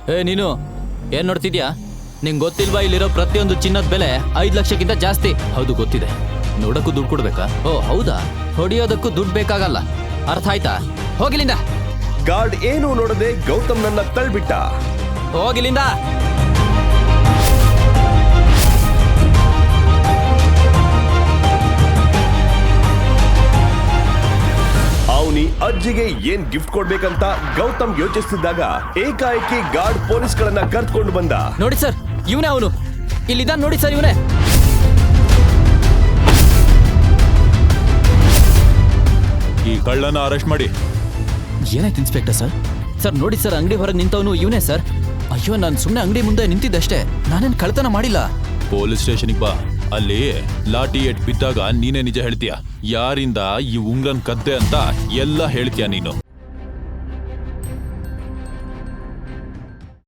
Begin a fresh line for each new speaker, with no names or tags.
ನೀನು ಏನ್ ನೋಡ್ತಿದ್ಯಾ? ನಿಂಗೆ ಗೊತ್ತಿಲ್ವಾ ಇಲ್ಲಿರೋ ಪ್ರತಿಯೊಂದು ಚಿನ್ನದ ಬೆಲೆ 5 ಲಕ್ಷಕ್ಕಿಂತ ಜಾಸ್ತಿ. ಹೌದು ಗೊತ್ತಿದೆ. ನೋಡಕ್ಕೂ ದುಡ್ಡು ಕೊಡ್ಬೇಕಾ? ಓ ಹೌದಾ? ಹೊಡಿಯೋದಕ್ಕೂ ದುಡ್ಡು ಬೇಕಾಗಲ್ಲ, ಅರ್ಥ ಆಯ್ತಾ? ಹೋಗಿಲಿಂದ.
ಗಾರ್ಡ್ ಏನೂ ನೋಡದೆ ಗೌತಮ್ನನ್ನ ತಳ್ಬಿಟ್ಟ.
ಹೋಗಿಲಿಂದ.
ಅವನಿ ಅಜ್ಜಿಗೆ ಏನ್ ಗಿಫ್ಟ್ ಕೊಡ್ಬೇಕಂತ ಗೌತಮ್ ಯೋಚಿಸ್ತಿದ್ದಾಗ ಏಕಾಏಕಿ ಗಾರ್ಡ್ ಪೊಲೀಸ್ಗಳನ್ನ ಕರ್ಕೊಂಡು ಬಂದ.
ನೋಡಿ ಸರ್, ಇವನೇ ಅವನು. ಇಲ್ಲಿದ್ದಾನೆ ನೋಡಿ ಸರ್, ಇವನೇ.
ಈ ಕಳ್ಳನ ಅರೆಸ್ಟ್ ಮಾಡಿ.
ಏನಾಯ್ತು ಇನ್ಸ್ಪೆಕ್ಟರ್ ಸರ್? ಸರ್ ನೋಡಿ ಸರ್, ಅಂಗಡಿ ಹೊರಗೆ ನಿಂತವನು ಇವನೇ ಸರ್. ಅಯ್ಯೋ, ನಾನು ಸುಮ್ಮನೆ ಅಂಗಡಿ ಮುಂದೆ ನಿಂತಿದ್ದಷ್ಟೇ, ನಾನೇನು ಕಳ್ತನ ಮಾಡಿಲ್ಲ.
ಪೊಲೀಸ್ ಸ್ಟೇಷನ್ಗೆ ಬಾ. ಅಲ್ಲಿ ಲಾಠಿ ಏಟ್ ಬಿದ್ದಾಗ ನೀನೇ ನಿಜ ಹೇಳ್ತೀಯ. ಯಾರಿಂದ ಈ ಉಂಗ್ರನ್ ಕದ್ದೆ ಅಂತ ಎಲ್ಲ ಹೇಳ್ತೀಯ ನೀನು.